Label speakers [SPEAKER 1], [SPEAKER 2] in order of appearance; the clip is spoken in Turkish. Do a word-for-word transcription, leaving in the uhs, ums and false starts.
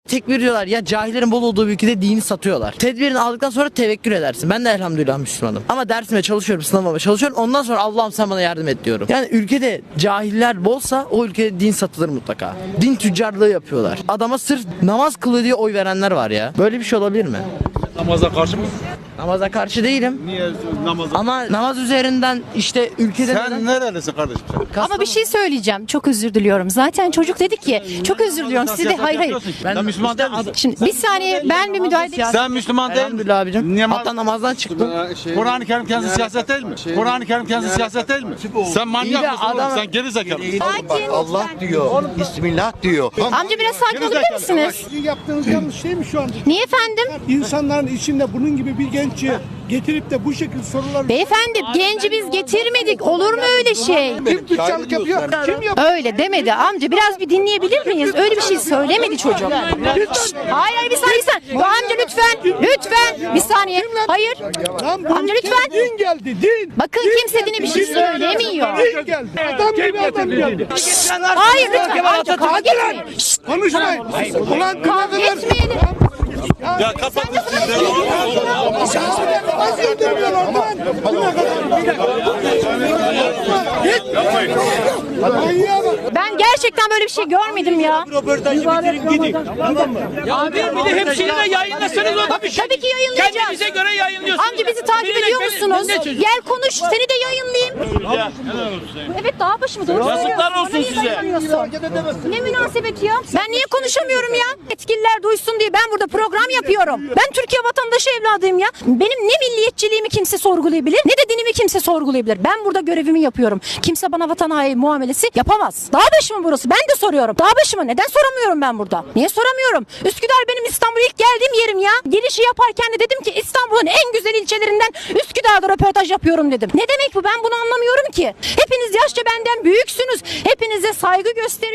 [SPEAKER 1] Tekbir diyorlar ya, cahillerin bol olduğu bir ülkede dini satıyorlar. Tedbirini aldıktan sonra tevekkül edersin. Ben de elhamdülillah Müslümanım. Ama dersime çalışıyorum, sınavıma çalışıyorum. Ondan sonra Allah'ım sen bana yardım et diyorum. Yani ülkede cahiller bolsa o ülkede din satılır mutlaka. Din tüccarlığı yapıyorlar. Adama sırf namaz kılıyor diye oy verenler var ya. Böyle bir şey olabilir mi?
[SPEAKER 2] Namaza karşı mısın?
[SPEAKER 1] Namaza karşı değilim.
[SPEAKER 2] Niye namaza?
[SPEAKER 1] Ama namaz üzerinden işte ülkede
[SPEAKER 2] Sen
[SPEAKER 1] neden...
[SPEAKER 2] nerelisin kardeşim sen?
[SPEAKER 3] Ama bir şey söyleyeceğim. Çok özür diliyorum. Zaten çocuk dedi ki çok özür diliyorum. Siz de hayır hayır.
[SPEAKER 2] Ben Müslüman değil misin?
[SPEAKER 3] Şimdi bir saniye ben bir müdahale edeyim.
[SPEAKER 2] Sen Müslüman değil misin?
[SPEAKER 1] Elhamdülillah abicim.
[SPEAKER 2] Niye
[SPEAKER 1] Hatta namazdan çıktım.
[SPEAKER 2] Kur'an-ı Kerim kendisi siyaset değil mi? Kur'an-ı Kerim kendisi siyaset değil mi? Sen
[SPEAKER 1] İyi
[SPEAKER 2] manyak
[SPEAKER 1] de
[SPEAKER 2] mısın oğlum?
[SPEAKER 1] adam-
[SPEAKER 2] Sen geri zekalı mısın?
[SPEAKER 3] Sakin.
[SPEAKER 4] Allah diyor. Bismillah diyor.
[SPEAKER 3] Amca biraz sakin olabilir misiniz?
[SPEAKER 5] Sizin yaptığınız yanlış değil mi şu anda?
[SPEAKER 3] Niye efendim?
[SPEAKER 5] İnsanların içinde bunun gibi bir genci getirip de bu şekilde sorular...
[SPEAKER 3] Beyefendi genci biz getirmedik. Olur mu öyle şey?
[SPEAKER 5] Kim tüccarlık yapıyor? Kim yapıyor?
[SPEAKER 3] Öyle demedi amca. Biraz bir dinleyebilir miyiz? Öyle bir şey söylemedi çocuk. Şşt, hayır hayır bir saniye. Bir saniye. Bu amca lütfen. Lütfen. Bir saniye. Hayır.
[SPEAKER 5] Lan bu
[SPEAKER 3] Amca
[SPEAKER 5] ülkeye
[SPEAKER 3] lütfen.
[SPEAKER 5] din geldi, din.
[SPEAKER 3] Bakın kimse dine bir şey söylemiyor.
[SPEAKER 5] Din geldi. Adam gibi adam geldi.
[SPEAKER 3] Hayır lütfen amca kavga etmeyin. Şşt,
[SPEAKER 5] Konuşmayın. Ulan
[SPEAKER 3] kavga etmeyelim.
[SPEAKER 2] Ya kapat.
[SPEAKER 5] nasıl öldürmüyorlar lan? Manyağa bak.
[SPEAKER 3] Ben gerçekten böyle bir şey görmedim ya.
[SPEAKER 6] Abi bir de hepsini de yayınlasanız o da bir şey.
[SPEAKER 3] Tabii ki yayınlayacağız.
[SPEAKER 6] Kendinize göre yayınlıyorsunuz.
[SPEAKER 3] Amca bizi takip
[SPEAKER 6] Birine
[SPEAKER 3] ediyor
[SPEAKER 6] beni-
[SPEAKER 3] musunuz?
[SPEAKER 6] ne çözüm?
[SPEAKER 3] Gel konuş seni de yayınlayayım. Evet dağ başı mı? Doğru
[SPEAKER 6] Yazıklar
[SPEAKER 3] söylüyorsun.
[SPEAKER 6] olsun
[SPEAKER 3] Bana niye
[SPEAKER 6] size.
[SPEAKER 3] yayınlamıyorsun? Ne münasebet ya? Ben niye konuşamıyorum ya? Yetkililer duysun diye ben burada program yapıyorum. Ben Türkiye vatandaşı evladıyım ya. Benim ne milliyetçiliğimi kimse sorgulayabilir ne de dinimi kimse sorgulayabilir. Ben burada görevimi yapıyorum. Kimse bana vatan haini muamelesi yapamaz. Dağ başı mı burası? Ben de soruyorum. Dağ başı mı? Neden soramıyorum ben burada? Niye soramıyorum? Üsküdar benim İstanbul'a ilk geldiğim yerim ya. Girişi yaparken de dedim ki İstanbul'un en güzel ilçelerinden Üsküdar'da röportaj yapıyorum dedim. Ne demek bu? Ben bunu anlamıyorum ki. Hepiniz yaşça benden büyüksünüz. Hepinize saygı gösteriyorum.